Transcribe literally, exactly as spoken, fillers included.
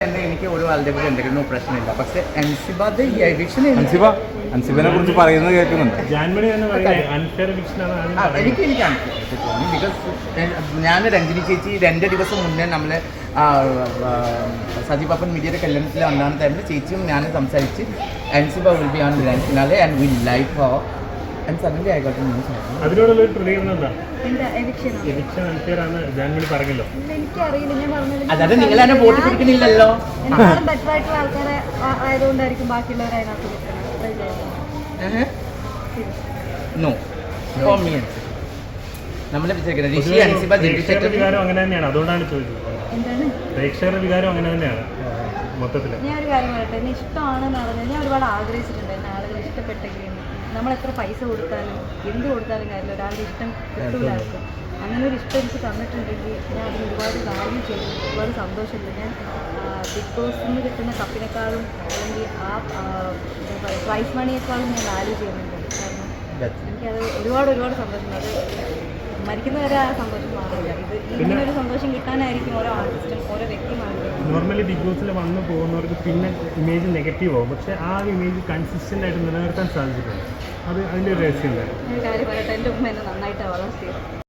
എനിക്ക് ഒരു ആളുടെ കൂടെ എന്തെങ്കിലും പ്രശ്നമില്ല. പക്ഷെ അൻസിബാദ് ഈ എവിക്ഷൻ അൻസിബ അൻസിബിനെ കുറിച്ച് പറയുന്നത് കേൾക്കുന്നുണ്ട്. എനിക്ക് എനിക്ക് അൻസിബ തോന്നി. ബിക്കോസ് ഞാൻ രഞ്ജിനി ചേച്ചി രണ്ട് ദിവസം മുന്നേ നമ്മളെ സജീബപ്പൻ മീഡിയയുടെ കല്യാണത്തിൽ വന്നാണ് ടൈമിൽ ചേച്ചിയും ഞാൻ സംസാരിച്ച് Ansiba will be on grand finale and will like her and suddenly I got news. അതിനോടുള്ള ഒരു പ്രതികരണം എന്താ? അതായത് നിങ്ങൾ എന്നെ വോട്ട് പിടിക്കുന്നില്ലല്ലോ. ബെറ്ററായിട്ടുള്ള ആൾക്കാരെ ആയതുകൊണ്ടായിരിക്കും ബാക്കിയുള്ളവർ അതിനകത്ത് നോ നമ്മളെ വിചാരിക്കുന്നത് ഋഷി അൻസിബ പ്രേക്ഷകരുടെ വികാരം അങ്ങനെ തന്നെയാണ്, അതുകൊണ്ടാണ് ചോദിച്ചത്. എന്താണ് പ്രേക്ഷകരുടെ വികാരം അങ്ങനെ തന്നെയാണ് മൊത്തത്തിൽ. ഞാൻ ഒരു കാര്യം പറയട്ടെ, എന്നെ ഇഷ്ടമാണെന്ന് പറഞ്ഞാൽ ഞാൻ ഒരുപാട് ആഗ്രഹിച്ചിട്ടുണ്ട് എന്നെ ആളുകൾ ഇഷ്ടപ്പെട്ടെങ്കിൽ. നമ്മളെത്ര പൈസ കൊടുത്താലും എന്ത് കൊടുത്താലും കാര്യമില്ല, ഒരാളുടെ ഇഷ്ടം കിട്ടൂലായിരിക്കും. അങ്ങനെ ഒരു ഇഷ്ടം എനിക്ക് തന്നിട്ടുണ്ടെങ്കിൽ ഞാൻ അതിന് ഒരുപാട് വാല്യൂ ചെയ്യുന്നു, ഒരുപാട് സന്തോഷമുണ്ട്. ഞാൻ ബിഗ് ബോസിൽ നിന്ന് കിട്ടുന്ന കപ്പിനേക്കാളും അല്ലെങ്കിൽ ആ എന്താ പറയുക പ്രൈസ് മണിയേക്കാളും ഞാൻ വാല്യൂ ചെയ്യുന്നുണ്ട്. കാരണം എനിക്കത് ഒരുപാട് ഒരുപാട് സന്തോഷമുണ്ട്. അത് മരിക്കുന്നവരെ ആ സന്തോഷം മാറില്ല. ഇത് ഇങ്ങനെ ഒരു സന്തോഷം കിട്ടാനായിരിക്കും ഓരോ ആർട്ടിസ്റ്റും ഓരോ വ്യക്തിമാരും. നോർമലി ബിഗ് ബോസിൽ വന്നു പോകുന്നവർക്ക് പിന്നെ ഇമേജ് നെഗറ്റീവ് ആവും, പക്ഷേ ആ ഇമേജ് കൺസിസ്റ്റൻ്റ് ആയിട്ട് നിലനിർത്താൻ സാധിച്ചിട്ടുണ്ട്. അത് അതിൻ്റെ ഒരു രഹസ്യം. ഒരു കാര്യം പറയട്ടെ, എൻ്റെ ഉമ്മ എന്നെ നന്നായിട്ട് വളർത്തി.